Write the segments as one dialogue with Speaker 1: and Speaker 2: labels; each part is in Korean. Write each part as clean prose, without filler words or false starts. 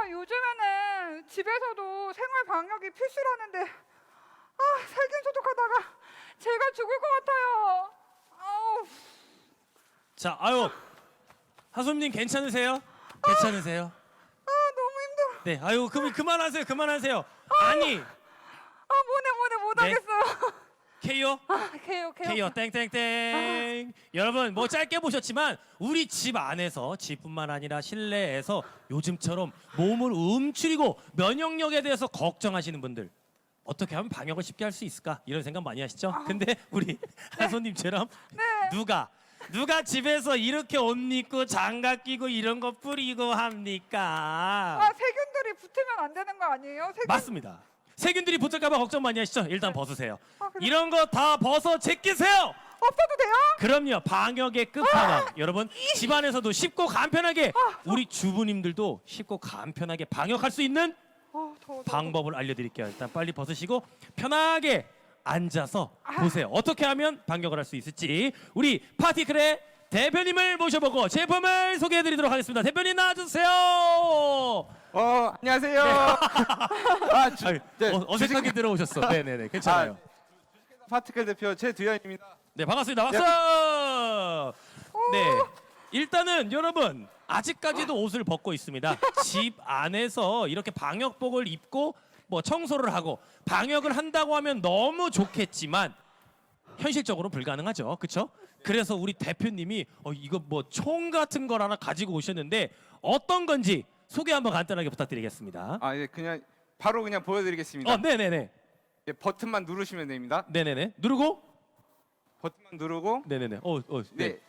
Speaker 1: 요즘에는 집에서도 생활 방역이 필수라는데 살균 소독하다가 제가 죽을 것 같아요. 아우.
Speaker 2: 자, 아유, 하솜님 괜찮으세요? 괜찮으세요?
Speaker 1: 너무 힘들어.
Speaker 2: 네, 아유, 그만하세요, 그만하세요. 아니,
Speaker 1: 뭐네 못
Speaker 2: 네.
Speaker 1: 하겠어요.
Speaker 2: 케이오,
Speaker 1: 개요.
Speaker 2: 케이오, 땡땡땡. 여러분, 뭐 짧게 보셨지만 우리 집 안에서, 집뿐만 아니라 실내에서 요즘처럼 몸을 움츠리고 면역력에 대해서 걱정하시는 분들. 어떻게 하면 방역을 쉽게 할 수 있을까? 이런 생각 많이 하시죠? 근데 우리 하솜님처럼 누가 집에서 이렇게 옷 입고 장갑 끼고 이런 거 뿌리고 합니까?
Speaker 1: 세균들이 붙으면 안 되는 거 아니에요?
Speaker 2: 맞습니다. 세균들이 붙을까봐 걱정 많이 하시죠? 일단 벗으세요.
Speaker 1: 그래.
Speaker 2: 이런 거 다 벗어 제끼세요.
Speaker 1: 없어도 돼요?
Speaker 2: 그럼요. 방역의 끝판왕. 여러분 집안에서도 쉽고 간편하게 우리 주부님들도 쉽고 간편하게 방역할 수 있는
Speaker 1: 더워.
Speaker 2: 방법을 알려드릴게요. 일단 빨리 벗으시고 편하게 앉아서 보세요. 어떻게 하면 방역을 할 수 있을지 우리 파티클의 대표님을 모셔보고 제품을 소개해드리도록 하겠습니다. 대표님 나와주세요.
Speaker 3: 안녕하세요.
Speaker 2: 아유, 어색하게 들어오셨어. 네네네, 괜찮아요.
Speaker 3: 파티클 대표 최두현입니다.
Speaker 2: 네, 반갑습니다. 박수. 네, 일단은 여러분 아직까지도 옷을 벗고 있습니다. 집 안에서 이렇게 방역복을 입고 뭐 청소를 하고 방역을 한다고 하면 너무 좋겠지만 현실적으로 불가능하죠, 그렇죠? 그래서 우리 대표님이 이거 뭐 총 같은 걸 하나 가지고 오셨는데 어떤 건지 소개 한번 간단하게 부탁드리겠습니다.
Speaker 3: 예, 바로 보여드리겠습니다.
Speaker 2: 네네네,
Speaker 3: 예, 버튼만 누르시면 됩니다.
Speaker 2: 네네네. 누르고,
Speaker 3: 버튼만 누르고,
Speaker 2: 네네네.
Speaker 3: 네,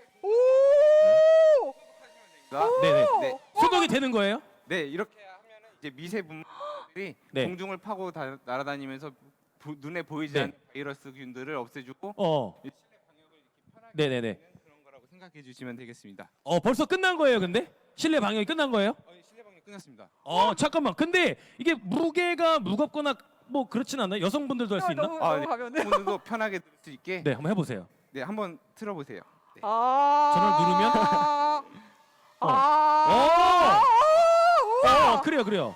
Speaker 2: 네네.
Speaker 3: 네,
Speaker 2: 소독이 되는 거예요?
Speaker 3: 네, 이렇게 하면은 이제 미세 분들이
Speaker 2: 네.
Speaker 3: 공중을 파고 날아다니면서 눈에 보이지
Speaker 2: 네.
Speaker 3: 않는 바이러스균들을 없애주고 실내 방역을 이렇게 편하게
Speaker 2: 네네네.
Speaker 3: 하는 그런 거라고 생각해 주시면 되겠습니다.
Speaker 2: 벌써 끝난 거예요, 근데? 실내 방역이 끝난 거예요?
Speaker 3: 실내 방역 끝났습니다.
Speaker 2: 잠깐만. 근데 이게 무게가 무겁거나 뭐 그렇진 않나요? 여성분들도 할 수 있나?
Speaker 1: 너무
Speaker 3: 네.
Speaker 1: 가면은.
Speaker 3: 오늘도 편하게 들을 수 있게
Speaker 2: 네, 한번 해보세요.
Speaker 3: 네, 한번 틀어보세요. 네.
Speaker 2: 전화를
Speaker 1: 우와.
Speaker 2: 그래요.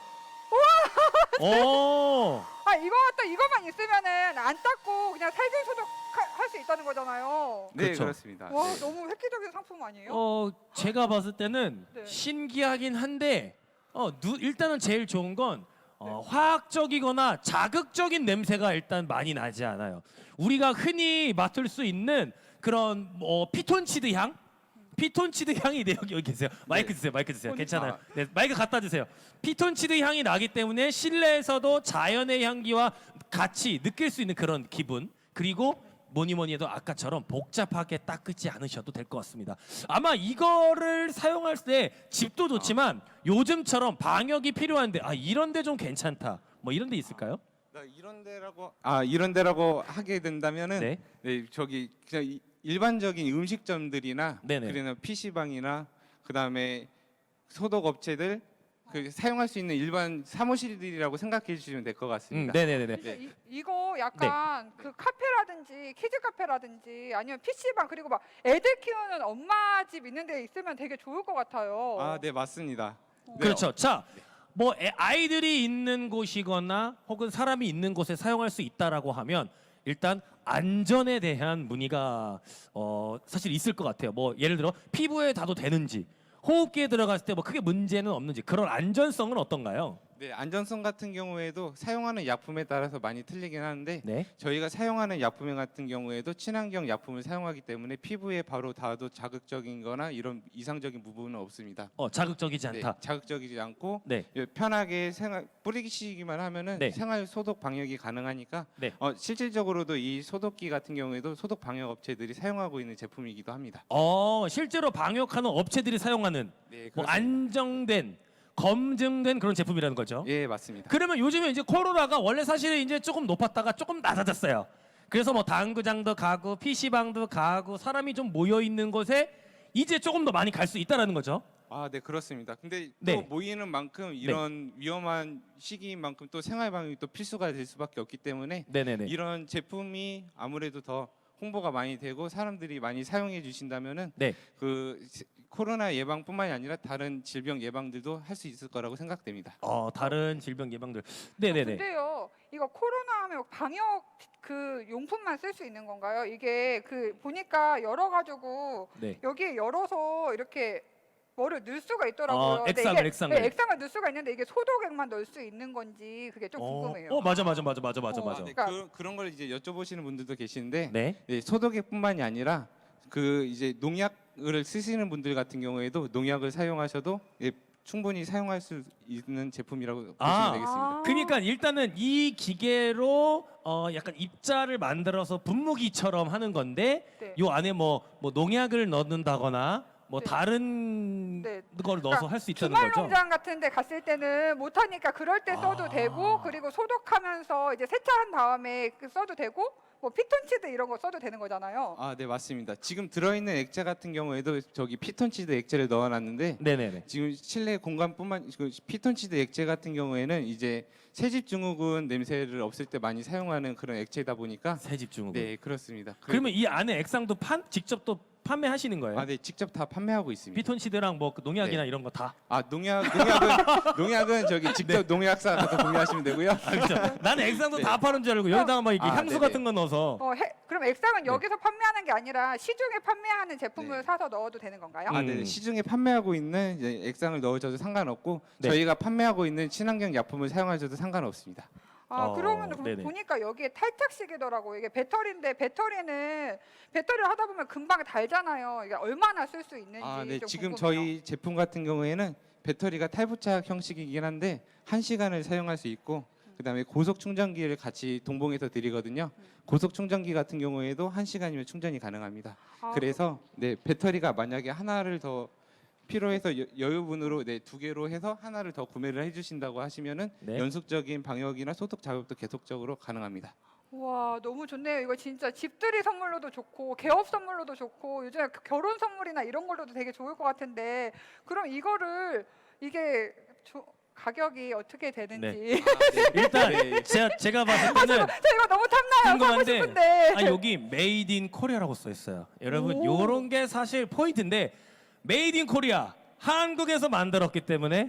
Speaker 1: 이거만 있으면은 안 닦고 그냥 살균 소독할 수 있다는 거잖아요.
Speaker 3: 네,
Speaker 2: 그렇죠.
Speaker 3: 그렇습니다.
Speaker 1: 와,
Speaker 3: 네.
Speaker 1: 너무 획기적인 상품 아니에요?
Speaker 2: 제가 봤을 때는
Speaker 1: 네.
Speaker 2: 신기하긴 한데, 일단은 제일 좋은 건 화학적이거나 자극적인 냄새가 일단 많이 나지 않아요. 우리가 흔히 맡을 수 있는 그런 피톤치드 향? 피톤치드 향이 여기 계세요. 마이크 주세요. 괜찮아요. 네, 마이크 갖다 주세요. 피톤치드 향이 나기 때문에 실내에서도 자연의 향기와 같이 느낄 수 있는 그런 기분. 그리고 뭐니 해도 아까처럼 복잡하게 닦지 않으셔도 될 것 같습니다. 아마 이거를 사용할 때 집도 좋지만 요즘처럼 방역이 필요한데 이런 데 좀 괜찮다. 뭐 이런 데 있을까요?
Speaker 3: 이런 데라고 하게 된다면은
Speaker 2: 네.
Speaker 3: 저기 그냥 일반적인 음식점들이나
Speaker 2: 네네.
Speaker 3: 그리고 PC방이나 그다음에 소독 업체들 사용할 수 있는 일반 사무실들이라고 생각해 주시면 될 것 같습니다.
Speaker 2: 네네네.
Speaker 1: 근데 이거 약간 그 카페라든지 키즈 카페라든지 아니면 PC방 그리고 막 애들 키우는 엄마 집 있는 데 있으면 되게 좋을 것 같아요.
Speaker 3: 네, 맞습니다.
Speaker 2: 그렇죠. 자, 아이들이 있는 곳이거나 혹은 사람이 있는 곳에 사용할 수 있다라고 하면 일단 안전에 대한 문의가 사실 있을 것 같아요. 예를 들어 피부에 닿아도 되는지, 호흡기에 들어갔을 때 크게 문제는 없는지 그런 안전성은 어떤가요?
Speaker 3: 네, 안전성 같은 경우에도 사용하는 약품에 따라서 많이 틀리긴 하는데
Speaker 2: 네.
Speaker 3: 저희가 사용하는 약품 같은 경우에도 친환경 약품을 사용하기 때문에 피부에 바로 닿아도 자극적인 거나 이런 이상적인 부분은 없습니다.
Speaker 2: 자극적이지 않다.
Speaker 3: 네, 자극적이지 않고
Speaker 2: 네.
Speaker 3: 편하게 뿌리시기만 하면은
Speaker 2: 네.
Speaker 3: 생활 소독 방역이 가능하니까
Speaker 2: 네.
Speaker 3: 실질적으로도 이 소독기 같은 경우에도 소독 방역 업체들이 사용하고 있는 제품이기도 합니다.
Speaker 2: 실제로 방역하는 업체들이 사용하는
Speaker 3: 네,
Speaker 2: 안정된 검증된 그런 제품이라는 거죠.
Speaker 3: 예, 맞습니다.
Speaker 2: 그러면 요즘에 이제 코로나가 원래 사실은 이제 조금 높았다가 조금 낮아졌어요. 그래서 당구장도 가고 PC방도 가고 사람이 좀 모여 있는 곳에 이제 조금 더 많이 갈 수 있다라는 거죠.
Speaker 3: 네, 그렇습니다. 근데 또
Speaker 2: 네.
Speaker 3: 모이는 만큼 이런 위험한 시기인 만큼 또 생활 방역이 또 필수가 될 수밖에 없기 때문에
Speaker 2: 네네네.
Speaker 3: 이런 제품이 아무래도 더 홍보가 많이 되고 사람들이 많이 사용해 주신다면은
Speaker 2: 네.
Speaker 3: 코로나 예방뿐만이 아니라 다른 질병 예방들도 할 수 있을 거라고 생각됩니다.
Speaker 2: 다른 질병 예방들. 네네네.
Speaker 1: 근데요, 이거 코로나 하면 방역 그 용품만 쓸 수 있는 건가요? 이게 그 보니까 열어가지고
Speaker 2: 네.
Speaker 1: 여기에 열어서 이렇게 뭐를 넣을 수가 있더라고요. 근데
Speaker 2: 액상을,
Speaker 1: 이게,
Speaker 2: 액상을.
Speaker 1: 네, 액상을 넣을 수가 있는데 이게 소독액만 넣을 수 있는 건지 그게 좀 궁금해요.
Speaker 2: 맞아.
Speaker 3: 네,
Speaker 1: 그러니까-
Speaker 3: 그런 걸 이제 여쭤보시는 분들도 계시는데
Speaker 2: 네.
Speaker 3: 네, 소독액뿐만이 아니라 그 이제 농약을 쓰시는 분들 같은 경우에도 농약을 사용하셔도 예, 충분히 사용할 수 있는 제품이라고 보시면 되겠습니다.
Speaker 2: 그러니까 일단은 이 기계로 약간 입자를 만들어서 분무기처럼 하는 건데
Speaker 1: 네.
Speaker 2: 요 안에 뭐 농약을 넣는다거나 뭐
Speaker 1: 네.
Speaker 2: 다른
Speaker 1: 네.
Speaker 2: 걸 넣어서 할 수 있다는
Speaker 1: 주말
Speaker 2: 거죠.
Speaker 1: 농장 같은 데 갔을 때는 못 하니까 그럴 때 써도 되고 그리고 소독하면서 이제 세차한 다음에 써도 되고 뭐 피톤치드 이런 거 써도 되는 거잖아요.
Speaker 3: 아, 네, 맞습니다. 지금 들어있는 액체 같은 경우에도 저기 피톤치드 액체를 넣어놨는데
Speaker 2: 네네네.
Speaker 3: 지금 실내 공간뿐만 그 피톤치드 액체 같은 경우에는 이제 새집 증후군 냄새를 없앨 때 많이 사용하는 그런 액체다 보니까
Speaker 2: 새집 증후군.
Speaker 3: 네, 그렇습니다.
Speaker 2: 그러면 이 안에 액상도 직접 또 판매하시는 거예요?
Speaker 3: 아, 네, 직접 다 판매하고 있습니다.
Speaker 2: 피톤치드랑 뭐그 농약이나 이런 거 다.
Speaker 3: 아, 농약은 저기 직접 농약사 가서 구매하시면 되고요.
Speaker 2: 그렇죠. 나는 액상도
Speaker 3: 네.
Speaker 2: 다 파는 줄 알고 여기다가 막 이렇게
Speaker 3: 아,
Speaker 2: 향수
Speaker 3: 네네.
Speaker 2: 같은 거 넣어서.
Speaker 1: 그럼 액상은
Speaker 2: 네.
Speaker 1: 여기서 판매하는 게 아니라 시중에 판매하는 제품을
Speaker 3: 네.
Speaker 1: 사서 넣어도 되는 건가요?
Speaker 3: 아, 네, 시중에 판매하고 있는 이제 액상을 넣으셔도 상관없고
Speaker 2: 네.
Speaker 3: 저희가 판매하고 있는 친환경 약품을 사용하셔도 상관없습니다.
Speaker 1: 그러면
Speaker 2: 네네.
Speaker 1: 보니까 여기에 탈착식이더라고요. 이게 배터리인데 배터리를 하다 보면 금방 달잖아요. 이게 얼마나 쓸 수 있는지
Speaker 3: 아, 네,
Speaker 1: 좀
Speaker 3: 지금
Speaker 1: 궁금해요.
Speaker 3: 저희 제품 같은 경우에는 배터리가 탈부착 형식이긴 한데 1시간을 사용할 수 있고 그다음에 고속 충전기를 같이 동봉해서 드리거든요. 고속 충전기 같은 경우에도 1시간이면 충전이 가능합니다. 그래서 네, 배터리가 만약에 하나를 더 필요해서 여유분으로 네, 2개로 해서 하나를 더 구매를 해주신다고 하시면은
Speaker 2: 네.
Speaker 3: 연속적인 방역이나 소독 작업도 계속적으로 가능합니다.
Speaker 1: 와, 너무 좋네요. 이거 진짜 집들이 선물로도 좋고 개업 선물로도 좋고 요즘에 결혼 선물이나 이런 걸로도 되게 좋을 것 같은데 그럼 이거를 이게 가격이 어떻게 되는지
Speaker 2: 일단
Speaker 3: 네.
Speaker 2: 제가 봤을 때는
Speaker 1: 저 이거 너무 탐나요. 사고
Speaker 2: 궁금한데,
Speaker 1: 싶은데.
Speaker 2: 여기 메이드 인 코리아라고 써 있어요. 여러분
Speaker 1: 오.
Speaker 2: 요런 게 사실 포인트인데 메이드 인 코리아 한국에서 만들었기 때문에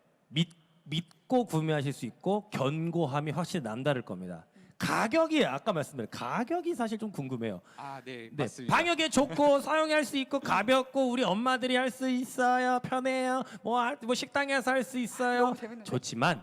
Speaker 2: 믿고 구매하실 수 있고 견고함이 확실히 남다를 겁니다. 가격이 아까 말씀드린 가격이 사실 좀 궁금해요.
Speaker 3: 아, 네,
Speaker 2: 네,
Speaker 3: 맞습니다.
Speaker 2: 방역에 좋고 사용할 수 있고 가볍고 우리 엄마들이 할 수 있어요. 편해요. 뭐 식당에서 할 수 있어요.
Speaker 1: 너무 재밌는데?
Speaker 2: 좋지만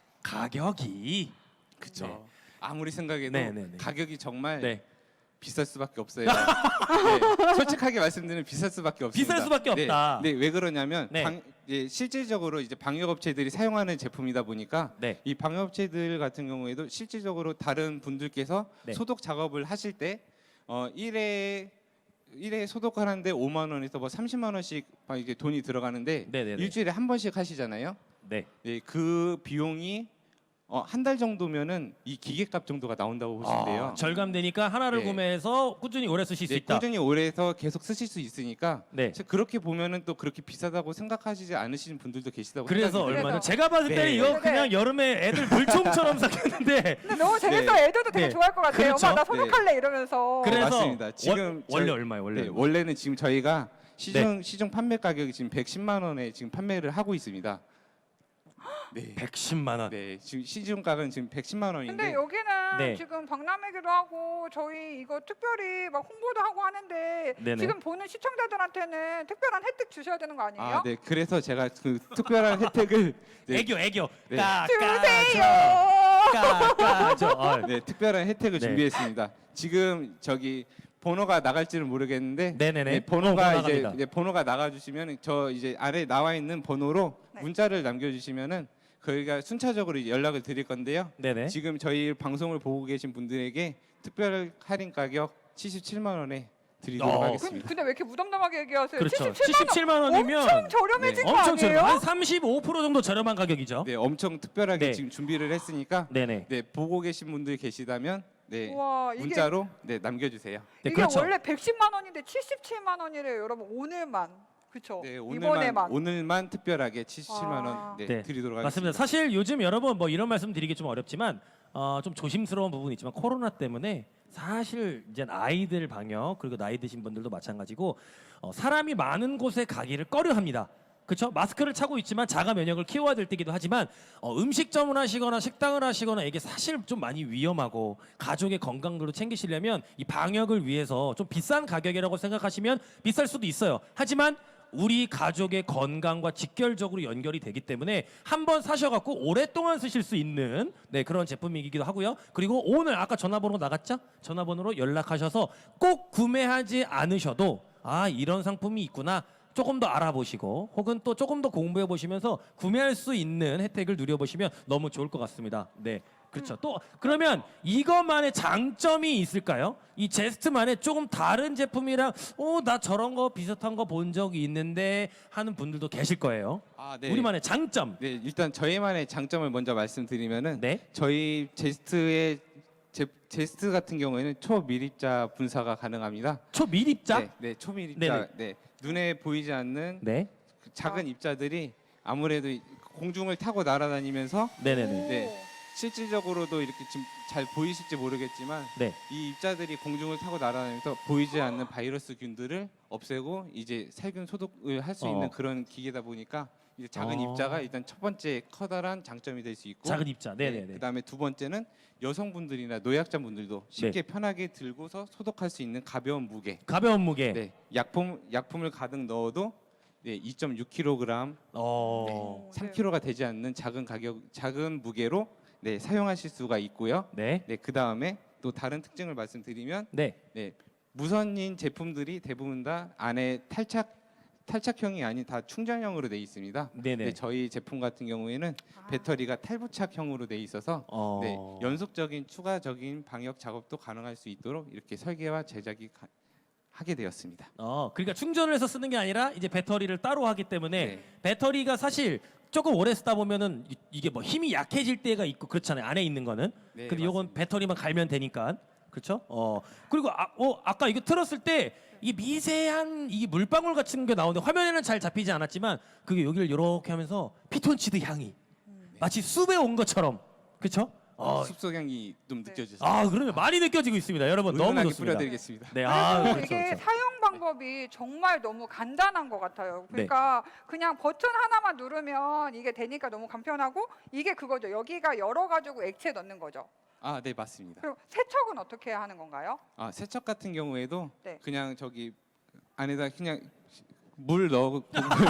Speaker 2: 가격이
Speaker 3: 그쵸.
Speaker 2: 네.
Speaker 3: 아무리 생각해도
Speaker 2: 네네네.
Speaker 3: 가격이 정말
Speaker 2: 네.
Speaker 3: 비쌀 수밖에 없어요. 네, 솔직하게 말씀드리면 비쌀 수밖에 없습니다.
Speaker 2: 비쌀 수밖에 없다.
Speaker 3: 네, 왜 그러냐면
Speaker 2: 네.
Speaker 3: 실질적으로 이제 방역업체들이 사용하는 제품이다 보니까
Speaker 2: 네.
Speaker 3: 이 방역업체들 같은 경우에도 실질적으로 다른 분들께서
Speaker 2: 네.
Speaker 3: 소독 작업을 하실 때 1회 소독하는데 5만 원에서 뭐 30만 원씩 막 이게 돈이 들어가는데
Speaker 2: 네네네.
Speaker 3: 일주일에 한 번씩 하시잖아요.
Speaker 2: 네.
Speaker 3: 네, 그 비용이 한 달 정도면은 이 기계값 정도가 나온다고 보시면 돼요.
Speaker 2: 절감되니까 하나를
Speaker 3: 네.
Speaker 2: 구매해서 꾸준히 오래 쓰실 수
Speaker 3: 네,
Speaker 2: 있다.
Speaker 3: 꾸준히 오래 해서 계속 쓰실 수 있으니까
Speaker 2: 네.
Speaker 3: 그렇게 보면은 또 그렇게 비싸다고 생각하시지 않으시는 분들도 계시다고
Speaker 2: 그래서
Speaker 3: 생각이 돼요.
Speaker 2: 얼마나 제가 봤을 때는
Speaker 3: 네.
Speaker 2: 이거
Speaker 1: 네.
Speaker 2: 그냥 여름에 애들 물총처럼 샀겠는데
Speaker 1: 근데 너무 재밌어. 애들도 되게
Speaker 2: 네.
Speaker 1: 좋아할 것 같아요.
Speaker 2: 그렇죠.
Speaker 1: 엄마 나 소독할래 이러면서.
Speaker 2: 그래서
Speaker 3: 맞습니다. 지금
Speaker 2: 원래
Speaker 3: 저희-
Speaker 2: 얼마예요? 원래
Speaker 3: 네,
Speaker 2: 얼마?
Speaker 3: 원래는 지금 저희가 시중 판매 가격이 지금 110만 원에 지금 판매를 하고 있습니다. 네.
Speaker 2: 110만 원.
Speaker 3: 네, 지금 시중 가격은 지금 110만 원인데
Speaker 1: 근데 여기는
Speaker 2: 네.
Speaker 1: 지금 박람회기도 하고 저희 이거 특별히 막 홍보도 하고 하는데
Speaker 2: 네네.
Speaker 1: 지금 보는 시청자들한테는 특별한 혜택 주셔야 되는 거 아니에요?
Speaker 3: 아, 네. 그래서 제가 그 특별한 혜택을 네,
Speaker 2: 애교.
Speaker 3: 네.
Speaker 1: 주세요.
Speaker 2: 까까죠.
Speaker 3: 네, 특별한 혜택을
Speaker 2: 네.
Speaker 3: 준비했습니다. 지금 저기 번호가 나갈지는 모르겠는데
Speaker 2: 네네네.
Speaker 3: 네, 번호가
Speaker 2: 번호
Speaker 3: 이제
Speaker 2: 나갑니다.
Speaker 3: 번호가 나가주시면 저 이제 아래 나와 있는 번호로
Speaker 1: 네.
Speaker 3: 문자를 남겨주시면은 저희가 순차적으로 연락을 드릴 건데요.
Speaker 2: 네네.
Speaker 3: 지금 저희 방송을 보고 계신 분들에게 특별 할인 가격 77만 원에 드리도록
Speaker 2: 어.
Speaker 3: 하겠습니다.
Speaker 1: 근데 왜 이렇게 무덤덤하게 얘기하세요?
Speaker 2: 그렇죠.
Speaker 1: 77만 원
Speaker 2: 77만 원이면
Speaker 1: 엄청 저렴해진 거
Speaker 2: 엄청
Speaker 1: 아니에요?
Speaker 2: 저렴. 한 35% 정도 저렴한 가격이죠.
Speaker 3: 네, 엄청 특별하게
Speaker 2: 네.
Speaker 3: 지금 준비를 했으니까
Speaker 2: 네네.
Speaker 3: 네, 보고 계신 분들 계시다면 네,
Speaker 1: 와, 이게
Speaker 3: 문자로 네, 남겨주세요.
Speaker 2: 네,
Speaker 1: 이게
Speaker 2: 그렇죠.
Speaker 1: 원래 110만 원인데 77만 원이래요. 여러분 오늘만. 그렇죠.
Speaker 3: 네,
Speaker 1: 이번에만.
Speaker 3: 오늘만 특별하게 77만 원
Speaker 1: 와.
Speaker 3: 네,
Speaker 2: 네,
Speaker 3: 드리도록 하겠습니다.
Speaker 2: 맞습니다. 사실 요즘 여러분 뭐 이런 말씀 드리기 좀 어렵지만 좀 조심스러운 부분이 있지만 코로나 때문에 사실 이제 아이들 방역 그리고 나이 드신 분들도 마찬가지고 사람이 많은 곳에 가기를 꺼려합니다. 그렇죠? 마스크를 차고 있지만 자가 면역을 키워야 될 때기도 하지만 음식점을 하시거나 식당을 하시거나 이게 사실 좀 많이 위험하고 가족의 건강도 챙기시려면 이 방역을 위해서 좀 비싼 가격이라고 생각하시면 비쌀 수도 있어요. 하지만 우리 가족의 건강과 직결적으로 연결이 되기 때문에 한번 사셔갖고 오랫동안 쓰실 수 있는 그런 제품이기도 하고요. 그리고 오늘 아까 전화번호 나갔죠? 전화번호로 연락하셔서 꼭 구매하지 않으셔도 이런 상품이 있구나. 조금 더 알아보시고 혹은 또 조금 더 공부해 보시면서 구매할 수 있는 혜택을 누려보시면 너무 좋을 것 같습니다. 네, 그렇죠. 또 그러면 이것만의 장점이 있을까요? 이 제스트만의 조금 다른 제품이랑 나 저런 거 비슷한 거 본 적이 있는데 하는 분들도 계실 거예요.
Speaker 3: 네.
Speaker 2: 우리만의 장점.
Speaker 3: 네, 일단 저희만의 장점을 먼저 말씀드리면은
Speaker 2: 네.
Speaker 3: 저희 제스트 같은 경우에는 초밀입자 분사가 가능합니다.
Speaker 2: 초밀입자.
Speaker 3: 네, 초밀입자. 네, 눈에 보이지 않는
Speaker 2: 네.
Speaker 3: 그 작은 입자들이 아무래도 공중을 타고 날아다니면서
Speaker 2: 네네네.
Speaker 3: 네. 실질적으로도 이렇게 지금 잘 보이실지 모르겠지만
Speaker 2: 네.
Speaker 3: 이 입자들이 공중을 타고 날아다니면서 보이지 않는 바이러스균들을 없애고 이제 살균 소독을 할 수 있는 그런 기계다 보니까 이제 작은 입자가 일단 첫 번째 커다란 장점이 될 수 있고
Speaker 2: 작은 입자. 네네네.
Speaker 3: 그다음에 두 번째는 여성분들이나 노약자분들도 쉽게 편하게 들고서 소독할 수 있는 가벼운 무게.
Speaker 2: 가벼운 무게.
Speaker 3: 네, 약품을 가득 넣어도 2.6kg,
Speaker 2: 어.
Speaker 3: 3kg가 되지 않는 작은 무게로 사용하실 수가 있고요.
Speaker 2: 네.
Speaker 3: 그 다음에 또 다른 특징을 말씀드리면
Speaker 2: 네.
Speaker 3: 무선인 제품들이 대부분 다 안에 탈착형이 아닌 다 충전형으로 돼 있습니다.
Speaker 2: 네네.
Speaker 3: 저희 제품 같은 경우에는 배터리가 탈부착형으로 돼 있어서 연속적인 추가적인 방역 작업도 가능할 수 있도록 이렇게 설계와 제작이 하게 되었습니다.
Speaker 2: 그러니까 충전을 해서 쓰는 게 아니라 이제 배터리를 따로 하기 때문에
Speaker 3: 네.
Speaker 2: 배터리가 사실 조금 오래 쓰다 보면은 이게 뭐 힘이 약해질 때가 있고 그렇잖아요. 안에 있는 거는.
Speaker 3: 네,
Speaker 2: 근데 이건
Speaker 3: 맞습니다.
Speaker 2: 배터리만 갈면 되니까. 그렇죠? 그리고 아까 이거 틀었을 때 이 미세한 이 물방울 같은 게 나오는데 화면에는 잘 잡히지 않았지만 그게 여기를 이렇게 하면서 피톤치드 향이 마치 숲에 온 것처럼. 그렇죠?
Speaker 3: 숲속 향이 좀 느껴지죠.
Speaker 2: 그러면 많이 느껴지고 있습니다. 여러분 너무
Speaker 3: 은은하게
Speaker 2: 좋습니다.
Speaker 3: 뿌려드리겠습니다.
Speaker 2: 네,
Speaker 1: 그리고
Speaker 2: 그렇죠,
Speaker 1: 이게
Speaker 2: 그렇죠.
Speaker 1: 사용 방법이 정말 너무 간단한 것 같아요. 그러니까 그냥 버튼 하나만 누르면 이게 되니까 너무 간편하고 이게 그거죠. 여기가 열어가지고 액체 넣는 거죠.
Speaker 3: 네, 맞습니다.
Speaker 1: 그리고 세척은 어떻게 하는 건가요?
Speaker 3: 세척 같은 경우에도
Speaker 1: 네.
Speaker 3: 그냥 저기 안에다 그냥 물 넣고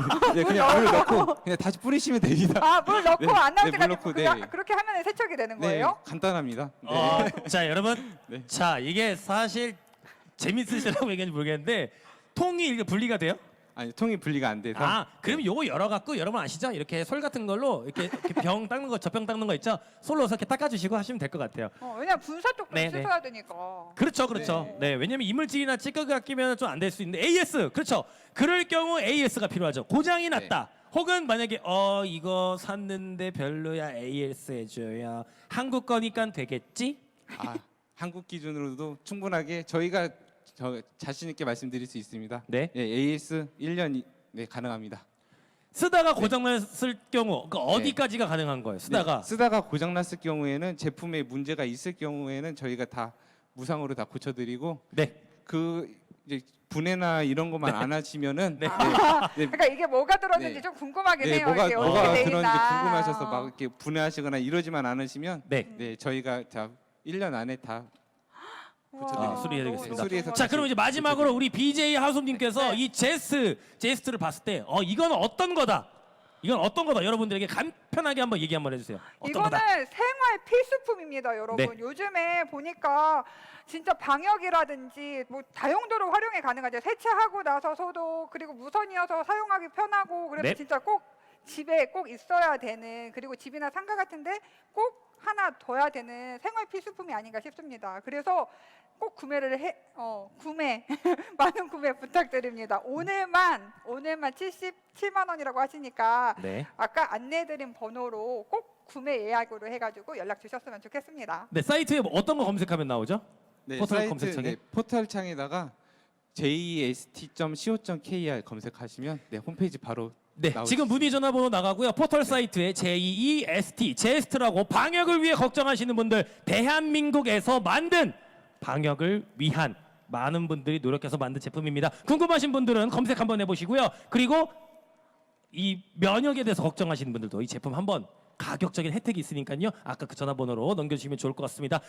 Speaker 3: 그냥 물 넣고 그냥 다시 뿌리시면 됩니다.
Speaker 1: 물 넣고
Speaker 3: 네,
Speaker 1: 안 나올
Speaker 3: 네,
Speaker 1: 때까지
Speaker 3: 물 넣고,
Speaker 1: 그렇게 하면 세척이 되는
Speaker 3: 네,
Speaker 1: 거예요?
Speaker 3: 간단합니다.
Speaker 2: 자 여러분,
Speaker 3: 네.
Speaker 2: 자 이게 사실 재밌으시라고 얘기하는지 모르겠는데 통이 이렇게 분리가 돼요?
Speaker 3: 아니 통이 분리가 안 돼서
Speaker 2: 그럼 요거 열어갖고 여러분 아시죠? 이렇게 솔 같은 걸로 이렇게 병 닦는 거, 젖병 닦는 거 있죠? 솔로 이렇게 닦아주시고 하시면 될 것 같아요.
Speaker 1: 왜냐면 분사 쪽도
Speaker 2: 네, 네.
Speaker 1: 씻어야 되니까.
Speaker 2: 그렇죠. 네, 왜냐면 이물질이나 찌꺼기가 끼면 좀 안 될 수 있는데 AS, 그렇죠. 그럴 경우 AS가 필요하죠. 고장이 났다. 혹은 만약에 이거 샀는데 별로야, AS 해줘야 한국 거니까 되겠지?
Speaker 3: 한국 기준으로도 충분하게 저희가 자신 있게 말씀드릴 수 있습니다.
Speaker 2: 네.
Speaker 3: AS 1년 가능합니다.
Speaker 2: 쓰다가 고장났을 경우 어디까지가 가능한 거예요?
Speaker 3: 쓰다가 고장 났을 경우에는 제품에 문제가 있을 경우에는 저희가 다 무상으로 다 고쳐드리고 이제 분해나 이런 것만 안 하시면은
Speaker 1: 그러니까 이게 뭐가 들었는지 좀 궁금하긴 해요.
Speaker 3: 뭐가
Speaker 1: 이게 어떻게 돼
Speaker 3: 들었는지
Speaker 1: 있나.
Speaker 3: 궁금하셔서 막 이렇게 분해하시거나 이러지만 않으시면
Speaker 2: 네.
Speaker 3: 저희가 다 1년 안에 다
Speaker 1: 우와,
Speaker 2: 수리해드리겠습니다.
Speaker 3: 수리해서
Speaker 2: 자, 그럼 이제 마지막으로 우리 BJ 하솜님께서
Speaker 1: 네.
Speaker 2: 이 제스트를 봤을 때 이건 어떤 거다? 이건 어떤 거다? 여러분들에게 간편하게 한번 얘기 한번 해주세요. 어떤
Speaker 1: 이거는
Speaker 2: 거다?
Speaker 1: 생활 필수품입니다, 여러분.
Speaker 2: 네.
Speaker 1: 요즘에 보니까 진짜 방역이라든지 뭐 다용도로 활용이 가능하죠. 세차하고 나서 소독, 그리고 무선이어서 사용하기 편하고 그래서
Speaker 2: 네.
Speaker 1: 진짜 꼭 집에 꼭 있어야 되는, 그리고 집이나 상가 같은데 꼭 하나 둬야 되는 생활 필수품이 아닌가 싶습니다. 그래서 꼭 구매 많은 구매 부탁드립니다. 오늘만 77만 원이라고 하시니까
Speaker 2: 네.
Speaker 1: 아까 안내드린 번호로 꼭 구매 예약으로 해가지고 연락 주셨으면 좋겠습니다.
Speaker 2: 네, 사이트에 어떤 거 검색하면 나오죠? 포털 검색창에?
Speaker 3: 포털 창에다가 jest.co.kr 검색하시면 홈페이지 바로
Speaker 2: 네,
Speaker 3: 나올
Speaker 2: 지금
Speaker 3: 수
Speaker 2: 문의 전화번호 나가고요. 포털 사이트에 JEST, 제스트라고 방역을 위해 걱정하시는 분들, 대한민국에서 만든 방역을 위한 많은 분들이 노력해서 만든 제품입니다. 궁금하신 분들은 검색 한번 해보시고요. 그리고 이 면역에 대해서 걱정하시는 분들도 이 제품 한번 가격적인 혜택이 있으니까요. 아까 그 전화번호로 넘겨주시면 좋을 것 같습니다.